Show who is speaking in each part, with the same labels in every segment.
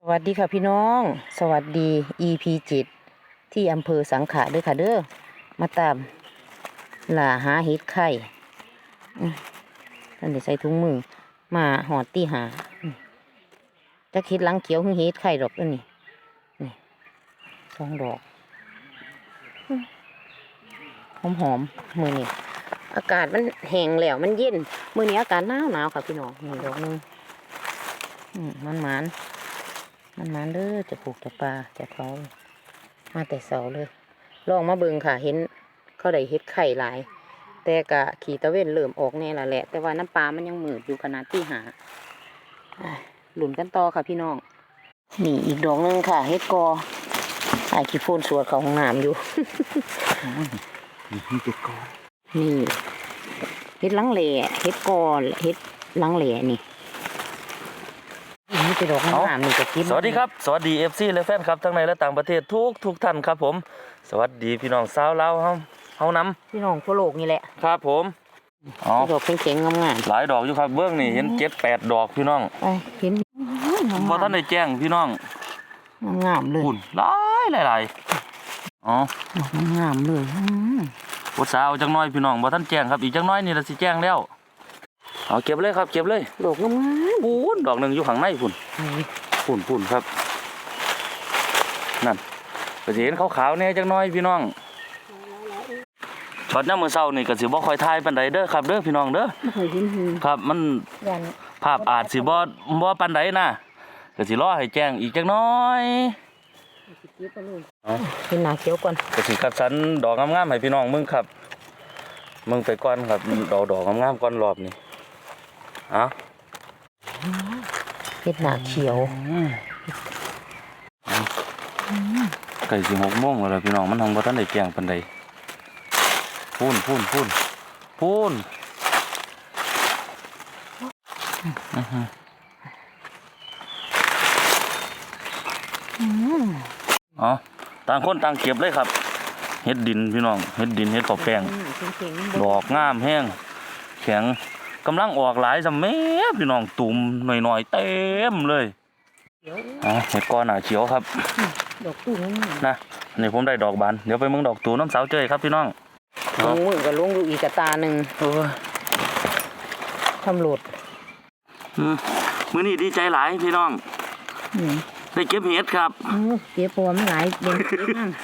Speaker 1: วัสดีค่ะพี่น้องสวัสดี EP 7ที่อำเภอสังขะด้วยค่ะเด้อมาตามล่าหาเห็ดไข่ท่านได้ใส่ถุงมือมาหอดตีหาจะเห็ดหลังเขียวเห็ดไข่ดอกนี่2 ดอกหอมมือนี่อากาศมันแห้งแล้วมันเย็นมือนี้อากาศหนาวค่ะพี่น้องนี่ดอกนึงมันเด้อจะปลูกจะปลาจะเขามาแต่เสาเลยลองมาเบิ่งค่ะเห็นเขาได้เห็ดไข่หลายแต่กะขี่ตะเวนเริ่มออกแน่ละแหละแต่ว่าน้ำปลามันยังมืดอยู่ขนาดที่หาหลุนกันต่อค่ะพี่น้องนี่อีกดอกนึงค่ะเห็ดกอไอ้ขี้โฟนสวดเขาห้องน้ำอยู่
Speaker 2: นี่เห็ดกอ
Speaker 1: นี่เห็ดลังแหล่เห็ดกอเห็ดลังแหล่นี่นี่เป็นดอกงามนี่จะกิน
Speaker 2: สวัสดีครับสวัสดี FC และแฟนครับทั้งในและต่างประเทศทุกท่านครับผมสวัสดีพี่น้องสาวเล่าเฮานำ
Speaker 1: พี่น้องทั่วโลกนี่แหละ
Speaker 2: ครับผม
Speaker 1: ดอกเข็งๆงาม
Speaker 2: หลายดอกอยู่ครับเบื้องนี่เห็น7-8 ดอกพี่น้อง
Speaker 1: เห็น
Speaker 2: บ่ท่านได้แจ้งพี่น้อง
Speaker 1: งามเลย
Speaker 2: หุ่นหลายอ๋อ
Speaker 1: ดอกงามเลย
Speaker 2: ปวดสาวจังน้อยพี่น้องบ่ท่านแจ้งครับอีกจังน้อยนี่ละสิแจ้งแล้วเอาเก็บเลยครับเก็บเลย
Speaker 1: ดอกงาม
Speaker 2: ปุ่นดอกหนึ่งอยู่ข้างในปุ่นครับนั่นก็จะเห็นขาวๆเนี่ยจังน้อยพี่น้องช็อตน้ำมือเศร้านี่ก็สิบ่ค่อยทายปานใดเด้อครับเด้อพี่น้องเด้อครับมันภาพอาจสิบ่ปานใดนะก็สิรอให้แจ้งอีกจังน้อย
Speaker 1: เป็นหน้าเขียวก่อน
Speaker 2: ก็สิคัดสรรดอกงามๆให้พี่น้องมึงครับมึงไปก่อนครับดอกงามๆก่อนรอบนี้
Speaker 1: เป็นหน้าเขียว
Speaker 2: ไก่สิ6 โมงแล้วพี่น้องมันทำบ่ทันได้แจ้งปานใดพูนต่างคนต่างเก็บเลยครับเฮ็ดดินพี่น้องเฮ็ดดินเฮ็ดข้าวแป้งดอกงามแห้งแข็งกำลังออกหลายสำแม่พี่น้องตุ่มหน่อยๆเต็มเลยเห็ดก้อนหนาเขียวครับ
Speaker 1: ดอกตู
Speaker 2: นะนี่ผมได้ดอกบานเดี๋ยวไปเมืองดอกตูน้ำสาวเจยครับพี่น้อง
Speaker 1: มือกับลุงดูอีกตาหนึ่งทำหลุด
Speaker 2: มื้อนี้ดีใจหลายพี่น้องได้เก็บเห็ดครับ
Speaker 1: เก็บตัวมันหลายเด่นนั่ง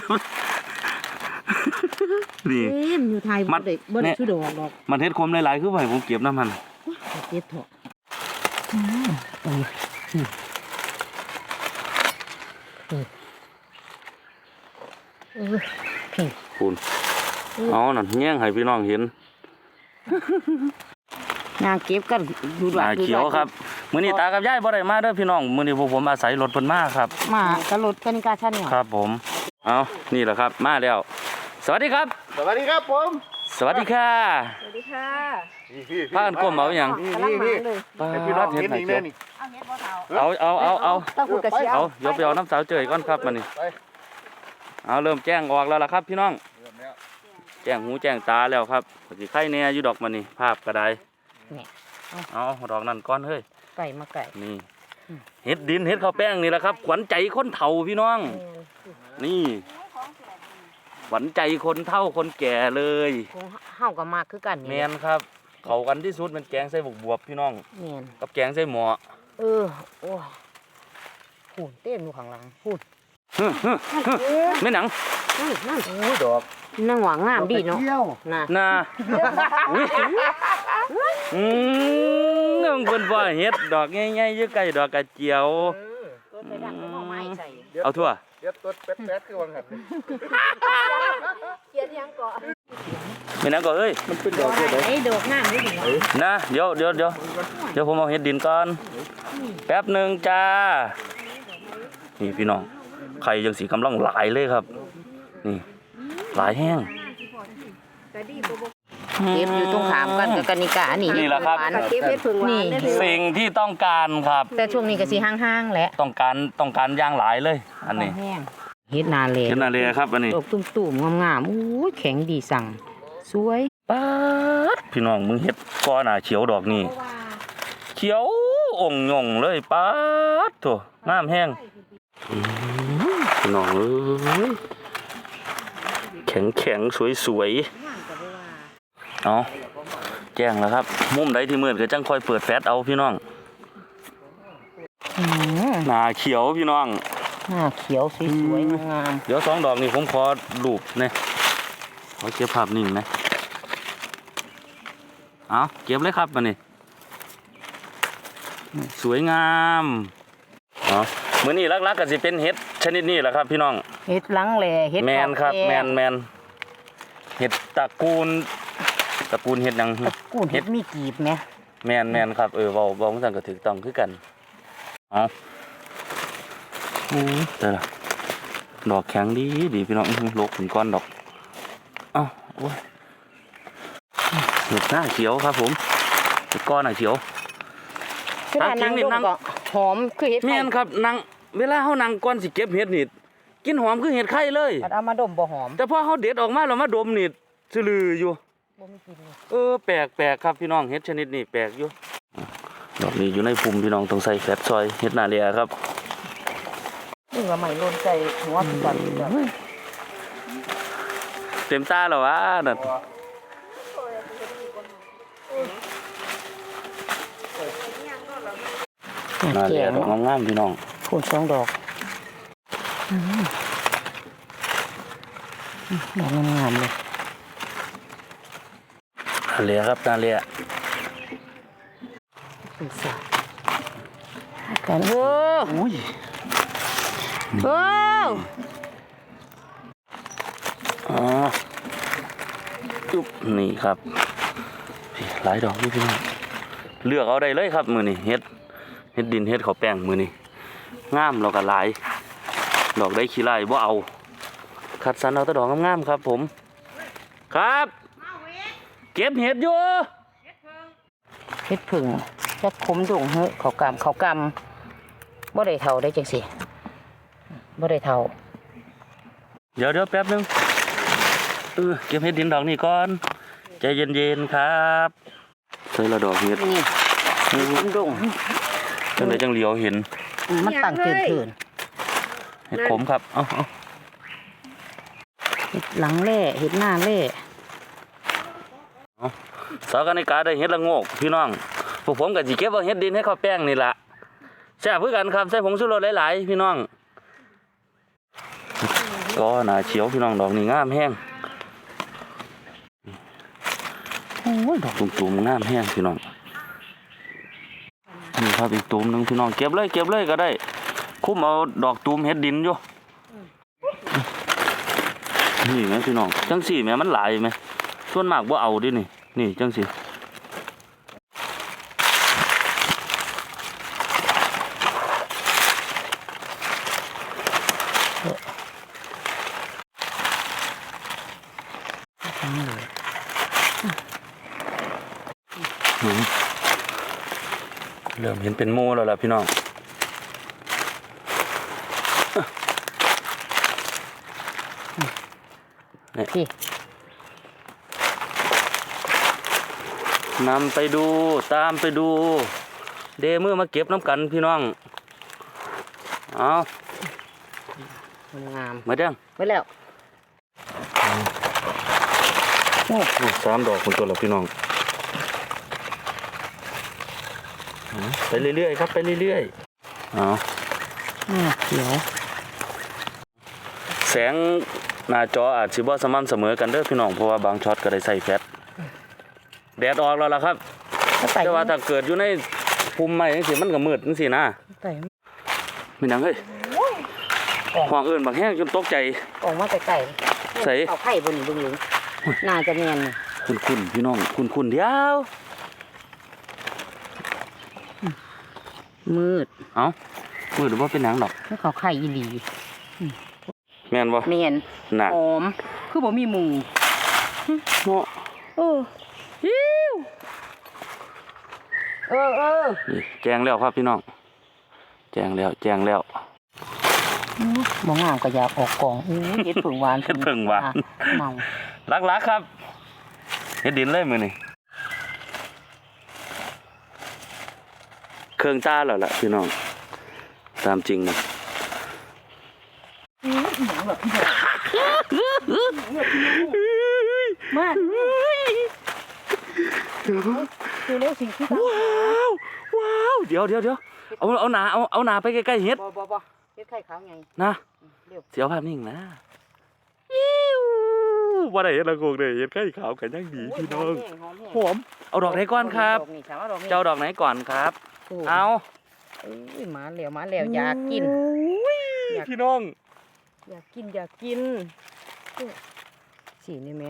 Speaker 2: นี่
Speaker 1: อยู่ไทยบ่ได้ชื่อดอก
Speaker 2: มันเห็ดคมหลายๆคือไว้ผมเก็บน้ำมัน
Speaker 1: เก็บเถอะ
Speaker 2: คุณเอาหน่อยแย่งให้พี่น้องเห็น
Speaker 1: นางเก็บกัน
Speaker 2: ดูดเขียวครับมื้อนี้ตากับยายบ่ได้มาเด้อพี่น้องมื้อนี้พวกผมอาศัยรถเพิ่นมาครับ
Speaker 1: มากระรถกนิกาชั้นเนี่ย
Speaker 2: ครับผมเอานี่แหละครับมาแล้วสวัสดีครับ
Speaker 3: สวัสดีครับผม
Speaker 2: สวัสดีค่ะ
Speaker 1: สวัสดีค่ะ
Speaker 2: พากันก้มเอาอย่าง
Speaker 3: นี่พี่น้องเห็นอีกเลยนี่
Speaker 2: เอายกไปเอาน้ำสาวเจยก่อนครับมานี่เอาเริ่มแจ้งออกแล้วล่ะครับพี่น้องแจ้งหูแจ้งตาแล้วครับสิไข่แน่อยู่ดอกมานี่ภาพกระไดเอาดอกนั่นก้อนเฮ้ย
Speaker 1: ไก่มาไก่
Speaker 2: นี่เห็ดดินเห็ดข้าวแป้งนี่แหละครับขวัญใจคนเฒ่าพี่น้องนี่ขวัญใจคนเฒ่าคนแก่เลย
Speaker 1: เฮากับมากคือกัน
Speaker 2: แมนครับเขากันที่สุดเป็นแกงใส่บวบพี่น้องกับแกงใส่หม้อ
Speaker 1: โอ้พูดเต้นอยู่ข้างหลังพูด
Speaker 2: ไม่หนัง
Speaker 1: นั่นดอกนั่งหวังงามดีเนาะ
Speaker 2: น่ะเงื่อนคนบ่เฮ็ดดอกง่ายๆอยู่ใกล้ดอกกระเจียวเอาทั่ว
Speaker 3: เดี๋ยวตัวแป๊ดคือวังหัน
Speaker 1: เกียร์ยังเกาะ
Speaker 2: ไม่นั่งก่อนเอ้ย
Speaker 3: มันเป็นดอกเลย
Speaker 1: ดอกงามดี
Speaker 2: นะเดี๋ยวผมเอาเฮ็ดดินก่อนแป๊บหนึ่งจ้านี่พี่น้องไข่ยังสีกำลังหลายเลยครับนี่หลายแห้ง
Speaker 1: เก็บอยู่ตรงขามกันกับกนิกา
Speaker 2: นี่แหละครับ
Speaker 1: นี่
Speaker 2: สิ่งที่ต้องการครับ
Speaker 1: แต่ช่วงนี้ก็สีห้างๆแหละ
Speaker 2: ต้องการย่างหลายเลยอันนี้
Speaker 1: เฮ็ดนาเล
Speaker 2: ครับอันนี้
Speaker 1: ดอกตุ่มๆงามๆโอ้ยแข็งดีสั่งสวย
Speaker 2: ป๊าดพี่น้องมึงเฮ็ดก้อนหนาเขียวดอกนี่เขียวองค์หย่งเลยป๊าดโถน้ำแห้งพี่น้องเอ้ยแข็งแข็งสวยสวยๆเอาแจ้งแล้วครับมุมใดที่มืดก็จังคอยเปิดแฟลชเอาพี่น้องหน้าเขียวพี่น้อง
Speaker 1: หน้าเขียวสวยๆงาม
Speaker 2: เดี๋ยว2 ดอกนี่ผมขอรูปเนี่ยขอเก็บภาพนิ่งนะเอาเก็บเลยครับมานี่สวยงามอ๋อมื้อนี้ลักๆก็สิเป็นเห็ดชนิดนี้แหละครับพี่น้อง
Speaker 1: เฮ็ดหลังแหล่เฮ็ด
Speaker 2: แมนครับ
Speaker 1: แก่
Speaker 2: แมนเห็ดตระกูลเห็ดหยัง
Speaker 1: ตระกูลเฮ็ดมีกีบไหม
Speaker 2: แมนครับเว้าจังก็ถูกต้องคือกันเอาแต่ละดอกแข็งดีพี่น้องลกถึงก้อนดอกเอ้าโอ้ยเห็ดหน้าเขียวครับผมเห็ดก้อนหน้าเขียว
Speaker 1: คือว่านั่งดมก็หอมคือเฮ็ด
Speaker 2: แม่นครับนางเวลาเฮานางก่อนสิเก็บเห็ดนี่กินหอมคือเห็ดไข่เลย
Speaker 1: เอามาดมบ่หอม
Speaker 2: แต่พอเฮาเด็ดออกมาแล้วมาดมนี่ซื่อลืออยู่
Speaker 1: บ่มีกลิ่นเลย
Speaker 2: แปลกครับพี่น้องเห็ดชนิดนี้แปลกอยู่ดอกนี้อยู่ในภูมิพี่น้องต้องใส่แฟตซอยเห็ดนาเรียครับ
Speaker 1: นี่ว่าไม่โลนใจหัวพี่ก่อน
Speaker 2: เต็มตาแล้ววะนั่นนาเรี
Speaker 1: แก่
Speaker 2: ยดอกงามๆพี่น้อง
Speaker 1: พูน2 ดอกดอกงามๆเลย
Speaker 2: นาเรียครับนาเรีย
Speaker 1: เป็นสากันโอ้
Speaker 2: อุ้ย
Speaker 1: โอ้
Speaker 2: อ๋อจุ๊บนี่ครับหลายดอกนี่พี่น้องเลือกเอาได้เลยครับมือนี่เห็ดดินเห็ดข้าวแป้งมือนี่งามเราก็หลายดอกได้ขี้ไล่บ่เอาคัดสรรเอาแต่ดอกงามๆครับผมครับเก็บเห็ดอยู่
Speaker 1: เฮ็ดผึ่งจักขมดงเฮ้ยเขากำบ่ได้เท่าได้จังสิบ่ได้เท่า
Speaker 2: เดี๋ยวแป๊บนึงเก็บเห็ดดินดอกนี้ก่อนใจเย็นๆครับใส่ละดอกเห็ด
Speaker 1: นี่ขมดง
Speaker 2: จังไดจังเหลียวเห็น
Speaker 1: มันตั้งเถิน
Speaker 2: เห็ดขมครับเอา
Speaker 1: เฮ็ดหลังแล่เฮ็ดหน้าแล่
Speaker 2: สาวกันในกาได้เห็ดละโงกพี่น้องพวกผมก็สิเก็บเอาเห็ดดินให้ข้าวแป้งนี่ล่ะแซ่บคือกันครับใส่ผงชูรสหลายๆพี่น้องก็หน้าเขียวพี่น้องดอกนี่งามแห้งโอ้ยดอกตุ่มๆงามแห้งพี่น้องนี่ครับอีกตุ่มหนึงพี่น้องเก็บเลยก็ได้คุ้มเอาดอกตุ่มเห็ดดินอยู่นี่แม่พี่น้องจังสี่แม่มันหลายไหมส่วนมากบ่เอาดินี่จังสี่เริ่มเห็นเป็นโมแล้วล่ะพี่น้อง
Speaker 1: พี่
Speaker 2: นำไปดูตามไปดูเดมือมาเก็บน้ำกันพี่น้องเอา
Speaker 1: งาม
Speaker 2: มาเด้ง
Speaker 1: ไว้แล้วโอ้
Speaker 2: 3 ดอกคนตัวละพี่น้องไปเรื่อยๆครับไปเรื่อยๆเอา
Speaker 1: เขียว
Speaker 2: แสงหน้าจออาจสิบ่สม่ำเสมอกันเด้อพี่น้องเพราะว่าบางช็อตก็ได้ใส่แฟลชแดดออกแล้วล่ะครับแต่ว่าถ้าเกิดอยู่ในภูมิไม้จังซี่มันก็มืดจังซี่นะ
Speaker 1: ใส่
Speaker 2: เป็นหยังเฮ้ยห้องอื่นบางแห้งจนตกใจ
Speaker 1: ออกมาไก่
Speaker 2: ใส่
Speaker 1: เอาไข่บนนี่เบิ่งหลุงน่าจะแม่น
Speaker 2: คุณพี่น้องคุณเดียว
Speaker 1: มืด
Speaker 2: เอ้ามืดหรือว่าเป็นหนังดอก
Speaker 1: แล้วเขาไข่อีหลี
Speaker 2: แม่นบ่
Speaker 1: แม่น
Speaker 2: หนัก
Speaker 1: หอมคือบ่มีหมู
Speaker 2: เนาะ
Speaker 1: ฮิว
Speaker 2: นี่แจ้งแล้วครับพี่น้องแจ้งแล้ว
Speaker 1: บ่งามก็อยากออกกล่องเฮ็ดผึ่งหวาน
Speaker 2: เฮ็ดผึ่งหวาน
Speaker 1: เมา
Speaker 2: ลักๆครับเฮ็ดดินเลยมื้อนี้เคเครื่องตาแล้วล่ะพี่น้องตามจริงนะ
Speaker 1: มาคือเร็วสิ่งที่ตาม
Speaker 2: ว้าวเดี๋ยวเอาหนาไปใกล้ๆเฮ็ด
Speaker 1: บ่เฮ็ดไข่ขาวไง
Speaker 2: นะ
Speaker 1: เร็ว
Speaker 2: เสียวภาพนิ่งนะอิ้วว่าได้เฮ็ดละโกงเลยเฮ็ดไข่ขาวกันยังดีพี่น้องหอมเอาดอกไหนก่อนครับเจ้าดอกไหนก่อนครับเอา
Speaker 1: อุ้ยมาแล้วอยากกิน อยาก
Speaker 2: พี่น้อง
Speaker 1: อยากกินสีนี่แม่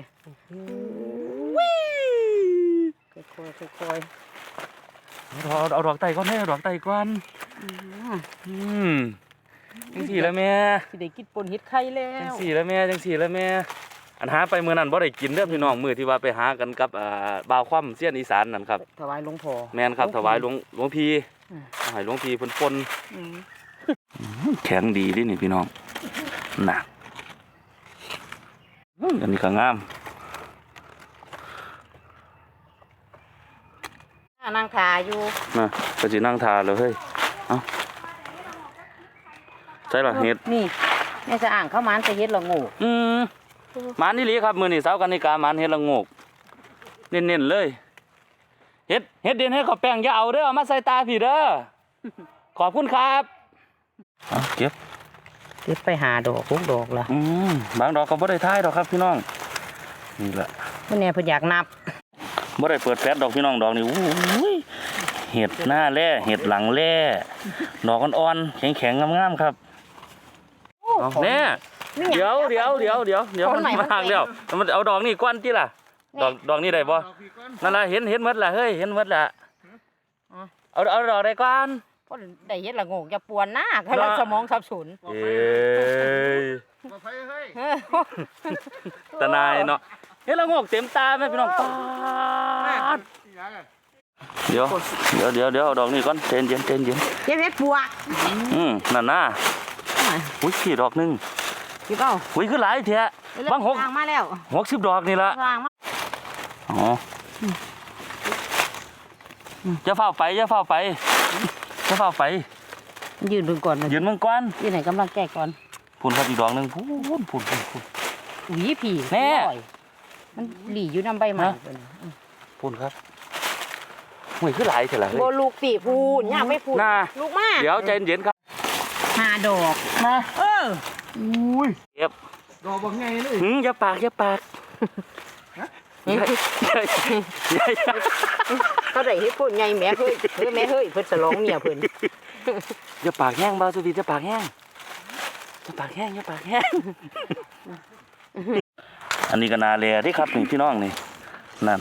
Speaker 1: ค่อย
Speaker 2: เอาดอกไต่ก่อนให้เอาดอกไต่ก่อนจังสี่แล้วแม่
Speaker 1: สิได้กินปนเฮ็ดไข่แล้
Speaker 2: จัง
Speaker 1: ว
Speaker 2: สี่แล้วแม่อันหาไปมื้อนั้นบ่ได้กินเด้อพี่น้องมื้อที่ว่าไปหากันกับบ่าวคว่ำเสี้ยนอีสานนั่นครับ
Speaker 1: ถวายหลวงพ่อ
Speaker 2: แม่นครับถวายหลวงพี่ให้หลวงพี่เพิ่นปนแข็งดีดินี่พี่น้องน่ะอันนี้ก็งาม
Speaker 1: นางทาอยู่
Speaker 2: นะก็สินั่งทาเลยเฮ้ยเอ้าใช่เหรอเฮ็ด
Speaker 1: นี่แม่จะอ่างเข้ามันจะเฮ็ดละงู
Speaker 2: หมันนี่หลีครับมื้อนี้เสาร์กันนิกาหมันเฮ็ดละโงกเน้นๆเลยเฮ็ดเด่นให้เขาแป้งอย่าเอาเด้อเอามาใส่ตาพี่เด้อขอบคุณครับเอาเก็บ
Speaker 1: ไปหาดอกพวกดอกละ
Speaker 2: บางดอกก็บ่ได้ท้ายดอกครับพี่น้องนี่แหละ
Speaker 1: เมื่อเนี่ยเพิ่นอยากนับ
Speaker 2: บ่ได้เปิดแฟลชดอกพี่น้องดอกนี่อู้ยเห็ดหน้าแร่เห็ดหลังแร่ดอกอ่อนๆแข็งๆงามๆครับเอาแน่เดี๋ยวมันมากแล้วมันเอาดอกนี่ก้อนติล่ะดอกนี่ได้บ่นั่นล่ะเห็นหมดล่ะเฮ้ยเห็นหมดล่ะเอาดอกได้ก่อน
Speaker 1: เพราะได้เฮ็ดละงูอย่าปวนหน้ากำลังสมองสับสน
Speaker 2: เอ้ยตา นายเนาะเฮ็ดละโงกเต็มตาแม่พี่น้องปาดเดี๋ยวเอาดอกนี่ก่อนเย็น
Speaker 1: เฮ็ดเฮ็ดปัว
Speaker 2: นั่นน่ะอุ้ยขี่ดอกหนึง
Speaker 1: พี่เป้า
Speaker 2: อุ้ยคือหลายแท้บาง
Speaker 1: ทางมาแล้ว
Speaker 2: 60ดอกนี่ละ
Speaker 1: ทางมา
Speaker 2: อ๋ออย่าเฝ้าไปยืน
Speaker 1: เบิ่งก่อน
Speaker 2: ยืนมึงก่อน
Speaker 1: ยืนไหนกำลังแก้ก่อน
Speaker 2: พูนครับอีกดอกหนึงพูน
Speaker 1: หวีผี
Speaker 2: แน่
Speaker 1: มันหลีอยู่นำใบไม้
Speaker 2: พูนครับอุ้ยคือหลายแท้ล่ะเฮ้ย
Speaker 1: บ่ลูกปีพูนย่าไม่พูน
Speaker 2: น่ะ
Speaker 1: ลูกมา
Speaker 2: เดี๋ยวใจเย็นครับ
Speaker 1: หาดอกมา
Speaker 3: อุ้ย
Speaker 2: เก็บ
Speaker 3: ดอกบักไงเลย
Speaker 2: อย่าปาก
Speaker 1: เขาได้เฮ็ดพูนใหญ่แม่เฮ้ยเพิ่นสลองเมียเพิ่น
Speaker 2: อย่าปากแห้งบ่าวสุวีอย่าปากแห้งอันนี้ก็นาแลที่ครับนี่พี่น้องนี่นั่น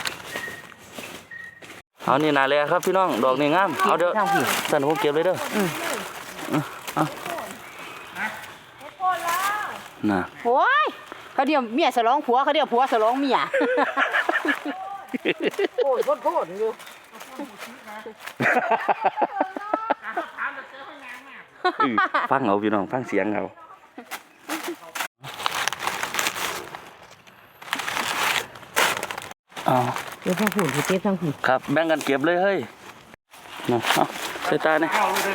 Speaker 2: เอานี่นาแลครับพี่น้องดอกนี่งามเอาเดี๋ยวท่านผมเก็บเลยเด้อเอาน่ะ
Speaker 1: โอ้ยเขาเดียวเมียสลองผัวเขาเดียวผัวสลองเมียโอ้ยโคตรอยู่
Speaker 2: ฟังเอาพี่น้องฟังเสียงเอาเอา
Speaker 1: เดี๋ยวทางผูนเก็บทางผูน
Speaker 2: ครับแบ่งกันเก็บเลยเฮ้ยเอาใส่ตาเนี่ย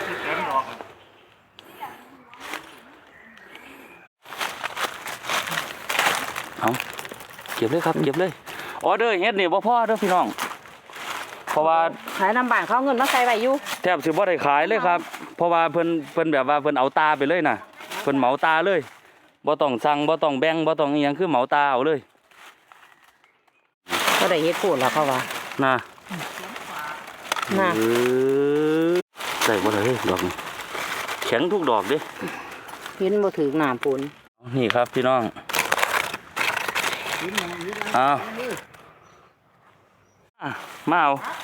Speaker 2: เอาเก็บเลยครับเก็บเลยออเดอร์เฮ็ดนี่บ่พอเด้อพี่น้องเพราะว่า
Speaker 1: ขายน้ำบ้านเขาเงินมาใส่ไว้อยู่
Speaker 2: แทบสิบ่ได้ขายเลยครับเพราะว่าเพิ่นแบบว่าเพิ่นเอาตาไปเลยน่ะเพิ่นเหมาตาเลยบ่ต้องสั่งบ่ต้องแบ่งบ่ต้องอีหยังคือเหมาตาเอาเลย
Speaker 1: เขาได้เฮ็ดพูนแล้วเขาว่า
Speaker 2: น่ะ
Speaker 1: น่ะ
Speaker 2: ได้บ่ได้ดอกนี่แข็งทุกดอกเด้
Speaker 1: เห็นบ่ถึงน้ำปูน
Speaker 2: นี่ครับพี่น้องเอามา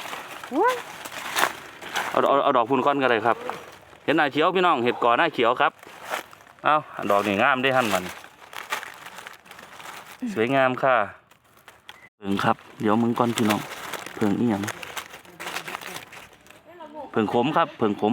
Speaker 2: เอาดอกพูนก้อนก็ได้ครับเห็นหน้าเขียวพี่น้องเห็ดก่อหน้าเขียวครับเอาดอกนี่งามได้หั่นมันสวยงามค่ะเพิ่งครับเดี๋ยวมึงก่อนพี่น้องเพิ่งอีหยังเพิ่งขมครับเพิ่งขม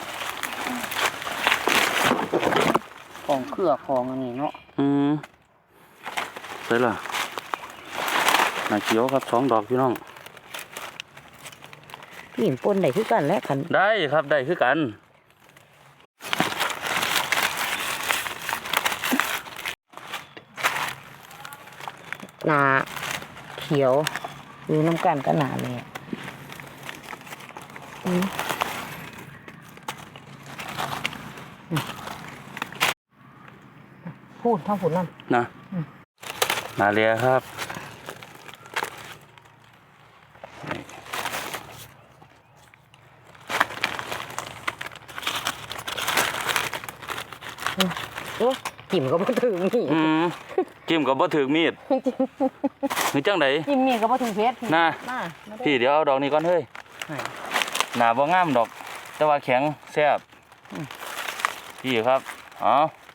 Speaker 1: ของเครือของอันนี้เนาะ
Speaker 2: ใส่ละหน้าเขียวครับ2 ดอกพี่น้อง
Speaker 1: พี่หินปนได้คือกันและขัน
Speaker 2: ได้ครับได้คือกัน
Speaker 1: หนาเขียวอยู่น้ำกันก็หนาเลยพูดทั้งผุนนั่น
Speaker 2: นะนาเลียครับ
Speaker 1: โอ้กิ่มก็บ่ถึงนี่
Speaker 2: จิ้มกับบ่ถือมีดนี่จังได
Speaker 1: กิ่มมีก็บ่ถึงเพชร
Speaker 2: น่ะ
Speaker 1: มา
Speaker 2: พี่เดี๋ยวเอาดอกนี้ก่อนเฮ้ย
Speaker 1: ให้
Speaker 2: หนาบ่งามดอก แต่ว่าแข็งแซ่บพี่ครับเอา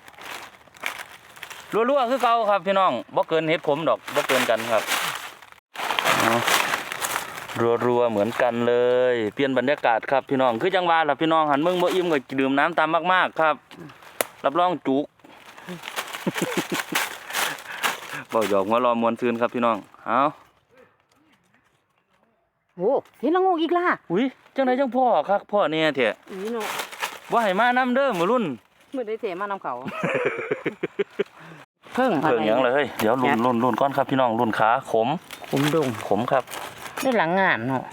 Speaker 2: รัวๆคือเก่าครับพี่น้องบ่เกินเฮ็ดขมดอกบ่เกินกันครับเอารัวๆเหมือนกันเลยเปลี่ยนบรรยากาศครับพี่น้องคือจังหวะล่ะพี่น้องหันมึงบ่อิ่มก็ดื่มน้ำตามมากๆครับรับรองจุก บ่หยอกหัวรอมวนซืนครับพี่น้องเอา
Speaker 1: โอ้เห็นละงูอีกล่ะ
Speaker 2: อุ้ยจังไดจังพ่อครับพ่อเนี่ยเถอะ
Speaker 1: อีเนาะ
Speaker 2: บ่ให้มานํเด้อมื้อรุ่น
Speaker 1: มื้อได้เสมานำเขา เพิ่ง
Speaker 2: เพิ่งหยังเลยเฮ้ยเดี๋ยวรุ่นก่อนครับพี่น้องรุ่นขาขม
Speaker 1: ผมดง
Speaker 2: ขมครับ
Speaker 1: ได้หลังงานเนาะ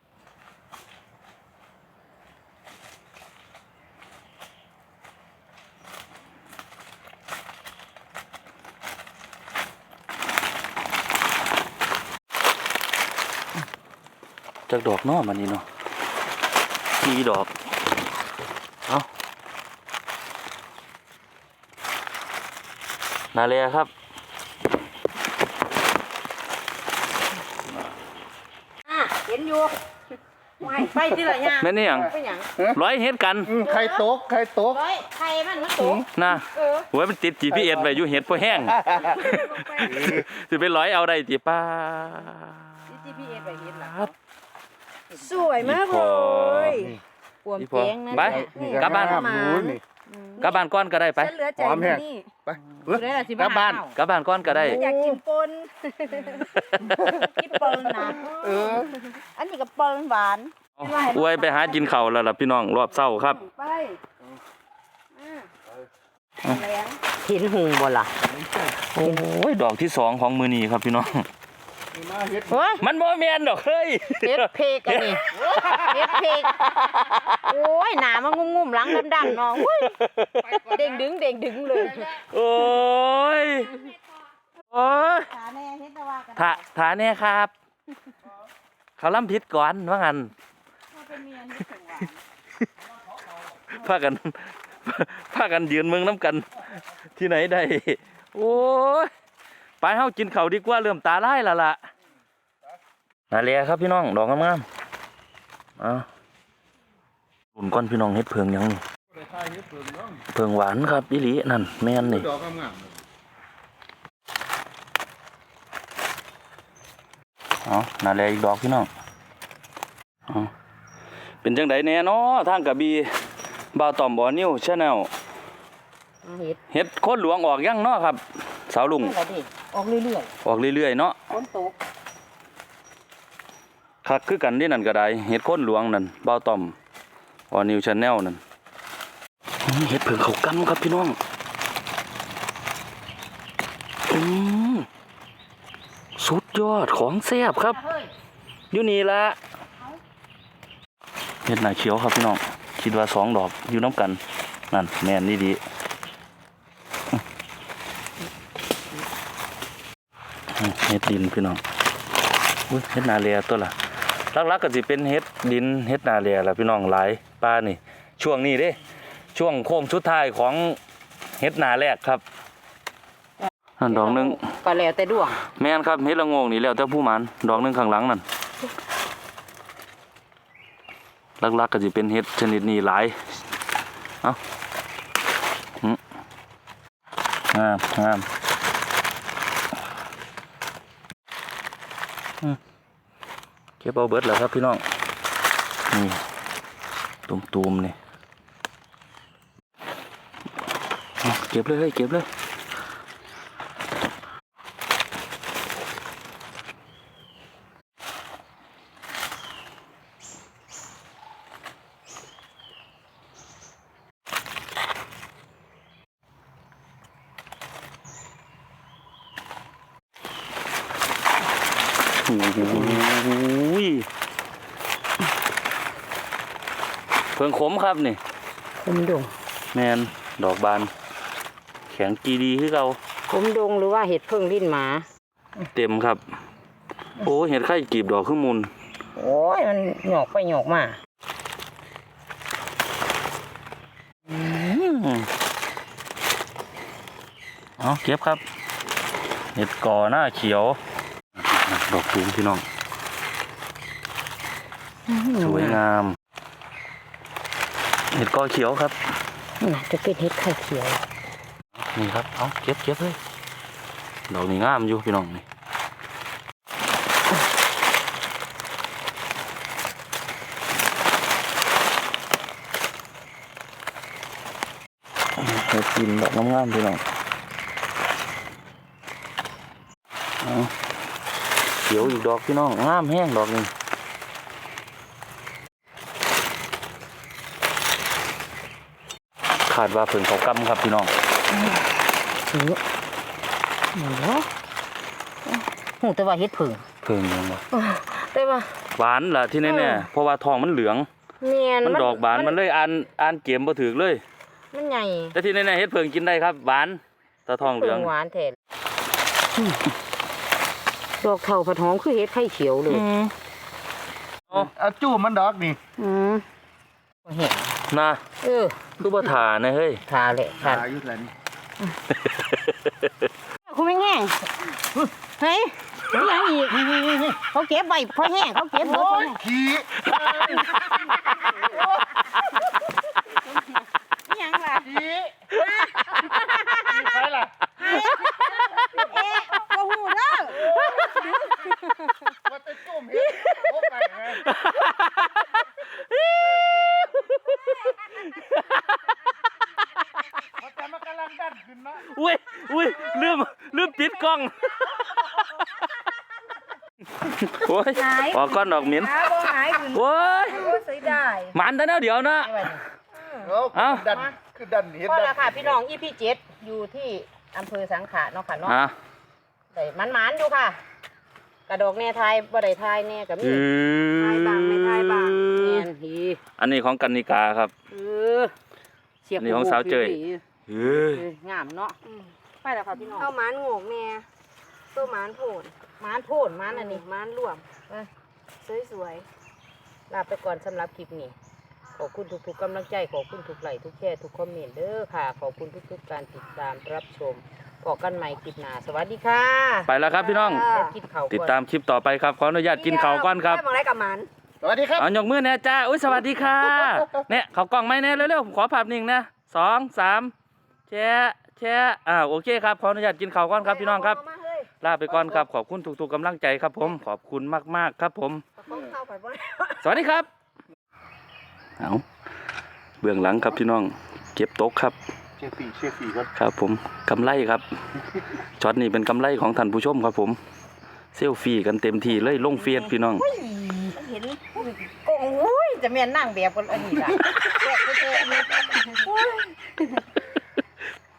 Speaker 2: จากดอกเนาะมันนี่เนาะกี่ดอก เอานาเลียครับ
Speaker 1: เห็นอยู่ไปที่ละย่าง
Speaker 2: แม่นอี่หยัง
Speaker 1: ไปหยัง
Speaker 2: ร้อยเฮ็ดกัน
Speaker 3: ไข่ตก
Speaker 1: ร้อยไข่มันตก
Speaker 2: นะโอ้ยมันติด GPS ไว้อยู่เฮ็ดพอแห้ง สิไปร้อยเอาได้ติป้า
Speaker 1: GPS ไปเห็นล่ะ
Speaker 2: ครับ
Speaker 1: สวยมากเลยปวม
Speaker 2: อีพอ
Speaker 1: แจ้งนั่น
Speaker 2: ไป
Speaker 1: แหละ
Speaker 2: กลับบ้าน
Speaker 3: นี่
Speaker 2: กลับบ้านก่อนก็ได้ไป
Speaker 4: ฉันเหลือใจ
Speaker 3: หอมแห้ง
Speaker 4: นี่
Speaker 3: ไป
Speaker 1: ได้ละสิ
Speaker 3: กลับบ้าน
Speaker 2: กลับบ้านก่อนก็ได้
Speaker 4: อยากกินปน
Speaker 1: กินเปิ้ลนะ
Speaker 4: อันนี้ก็ปนหวาน
Speaker 2: อวยไปหากินข้าวแล้วล่ะพี่น้องรอบเช้าครับ
Speaker 4: ไปแรง
Speaker 1: เห็นหุงบ่ล่ะ
Speaker 2: โอ้ยดอกที่2ของมื้อนี้ครับพี่น้อง
Speaker 3: มาเฮ็ด
Speaker 1: โอ้ย
Speaker 2: มันบ่แม่นดอกเฮ้ย
Speaker 1: เฮ็ดเพกอันนี้เฮ็ดเพกโอ้ยหนามันงุ่มๆหลังดำๆเนาะอุ้ยเด้งดึงเลย
Speaker 2: โอ้ย โอ้ย
Speaker 4: ขาแน่เฮ็ดตะว่ากัน
Speaker 2: ถาแน่ครับ เขาล้ำผิดก่อนว่างั้น
Speaker 4: เป็นเมียนี่ถึงหวาน
Speaker 2: พากัน พากันยืนเมืองน้ำกัน ที่ไหนได้ โอ้ย ไปเฮากินข้าวดีกว่าเริ่มตาลายและล่ะนาเลียครับพี่น้องดอกงามๆเอาหุ่นก้อนพี่น้องเฮ็ดเพิงหยังนี่เพิงหวานครับอีหลีนั่นแม่นนี่
Speaker 3: ดอกงาม
Speaker 2: เอานาเลียอีกดอกพี่น้องเอาเป็นจังไดแน่เนาะทางกระบี่บ่าวต่อมบ่อนิ้วชาแนล
Speaker 1: เฮ็ด
Speaker 2: เฮ็ดโคตรหลวงออกยังเนาะครับ สาวลุง
Speaker 1: อะไรดิออกเรื่อย
Speaker 2: ออกเรื่อยๆเนาะ
Speaker 1: ๆฝนตก
Speaker 2: คักคือกันนี่นั่นก็ได้เฮ็ดโคตรหลวงนั่นบ่าวต่อมบ่อนิ้วชาแนลนั่นเฮ็ดเพิ่งเขากำครับพี่น้องสุดยอดของแซ่บครับ
Speaker 1: เฮ้ย
Speaker 2: อยู่นี่ละเฮ็ดหน้าเขียวครับพี่น้องคิดว่า2 ดอกอยู่น้ำกันนั่นแม่นนี่ดีเฮ็ดดินพี่น้องอุ้ยเฮ็ดนาเลียตัวละลักๆก็สิเป็นเฮ็ดดินเฮ็ดนาเลียล่ะพี่น้องหลายป้านี่ช่วงนี้เด้ช่วงโค้งสุดท้ายของเฮ็ดนาแรกครับนั่นดอกหนึง
Speaker 1: ก็แล้วแต่ดวง
Speaker 2: แม่นครับเฮ็ดละโงงนี่แล้วแต่ผู้หมันดอกหนึงข้างหลังนั่นลักๆก็สิเป็นเฮ็ดชนิดนี้หลายเอ้างามเก็บเอาเบิดแล้วครับพี่น้องนี่ตุ่มๆนี่เอาเก็บเลยเก็บเลยโอ้ยเพิ่งขมครับนี่
Speaker 1: คมดง
Speaker 2: แมนดอกบาน แข็งกีดีคือเรา
Speaker 1: คมดงหรือว่าเห็ดเพิ่งลิ้นหมา
Speaker 2: เต็มครับ โอ้เห็ดไข่กีบดอกขึ้นมูล
Speaker 1: โอ้ยมันหยอกไปหยอกมา
Speaker 2: เอาเก็บครับเห็ดก่อหน้าเขียว ดอกตูมพี่น้องสวยงามเห็ดก่อเขียวครับ
Speaker 1: น่าจะเป็นเห็ดไข่เขียว
Speaker 2: นี่ครับเอาเก็บเลยดอกนี้งามอยู่พี่น้องนี่เห็ดกินดอกงามๆพี่น้องเอาเขียวอีกดอกพี่น้องงามแห้งดอกนี้ขาดว่าเพิ่งเขากำครับพี่น้อง
Speaker 1: ซื้อหมูหูแต่ว่าเห็ดเพิ่ง
Speaker 2: เพิ่งยังบ่
Speaker 1: แต่ว่า
Speaker 2: หวานล่ะที่แน่ๆเพราะว่าทองมันเหลือง
Speaker 1: เนียน
Speaker 2: มันดอกบานมันเลยอ่านเกมบ่ถึกเลย
Speaker 1: มันใหญ่
Speaker 2: แต่ที่แน่ๆเฮ็ดเพิ่งกินได้ครับหวานตาทองเหลื
Speaker 1: เพิ่
Speaker 2: อง
Speaker 1: งหวานแท้ดอกเท่าผัดหอมคือเห็ดไข่เขียวเลย
Speaker 3: เอาจู้มันดอกนี่
Speaker 1: เห็ด
Speaker 2: นะ
Speaker 1: เออ
Speaker 2: คือบ่ทานะเฮ้ย
Speaker 1: ทาเลยทา
Speaker 3: อายุเท่านี้
Speaker 1: คุณไม่แห้งเฮ้ยยังอีกเขาเก็บไว้พอแห้งเขาเก็บไว้
Speaker 3: โอ้ยขี้
Speaker 4: ยังล่ะ
Speaker 3: ขี้ใครล่ะ
Speaker 4: เอ๊ะบ่ฮู้เด้อ
Speaker 3: ว่าจะจุ่มเห็ดโอ้ไปไงว่าแต่มันกำลังดันขึ้นนะ
Speaker 2: อุ้ยลืมปิดกล้องโอ้ยออกก้อนดอกเหม็น
Speaker 4: หาบ่หายขึ้น
Speaker 2: โอ้ย
Speaker 4: บ่เสียดาย
Speaker 2: มันแต่แนวเดียวนะ
Speaker 3: เอา
Speaker 2: เอา
Speaker 3: คือดันเห็ด
Speaker 1: พอ
Speaker 3: ดั
Speaker 1: แล้ว
Speaker 3: น
Speaker 1: ค่ะพี่น้องEP 7อยู่ที่อำเภอสังขะเนาะค่ะเนาะ
Speaker 2: อ่ะ
Speaker 1: ได้มันๆอยู่ค่ะ กระดอกแน่ทายบ่ได้ทายแน่ก็มี
Speaker 4: ทายบางไม่ทายบาง
Speaker 1: แม่นฮี
Speaker 2: อันนี้ของกันนิกาครับ
Speaker 1: เออเสียบ
Speaker 2: อันนี้ของสาวเจ้ย เฮ้ย
Speaker 1: งามเนาะไปแล้วค่ะพี่น้อง
Speaker 4: เอาหมานโงกแน่ตัวหมานโผล่
Speaker 1: มานโพดมานอันนี้
Speaker 4: หมานรวมสวย
Speaker 1: ลาไปก่อนสำหรับคลิปนี้ขอบคุณทุกๆกำลังใจขอบคุณทุกไลค์ทุกแชร์ทุกคอมเมนต์เด้อค่ะขอบคุณทุกๆการติดตามรับชมพบกันใหม่คลิปหน้าสวัสดีค่ะ
Speaker 2: ไปแล้วครับพี่น้อง
Speaker 1: ไปกินข้าวก่อน
Speaker 2: ติดตามคลิปต่อไปครับ ขออนุญาตกินข้าวก่อนครับ
Speaker 4: ได้มองไรกับหมัน
Speaker 3: สวัสดีครับ
Speaker 2: เอายกมือแน่จ้าอุ้ยสวัสดีค่ะ เนี่ยเขากล้องไหมเนี่ยเร็วๆผมขอภาพนิ่งนะ2 3แชะโอเคครับขออนุญาตกินข้าวก่อนครับพี่น้องครับ
Speaker 4: เามาเฮ้ย
Speaker 2: ลาไปก่อนครับขอบคุณทุกๆกำลังใจครับผมขอบคุณมากๆครับผม
Speaker 4: ต้องเข้าไปบ่
Speaker 2: สวัสดีครับเอาเบื้องหลังครับพี่น้องเก็บตกครับ
Speaker 3: เชียร์ฝีก่อน
Speaker 2: ครับผมกำไรครับช็อตนี้เป็นกำไรของท่านผู้ชมครับผมเซลฟี่กันเต็มที่เลยลงเฟซพี่น้อง
Speaker 4: เห็น
Speaker 1: โอ้ยจะแม่นนั่งแบบกันอันนี้ล่ะแซ่บแซ่บ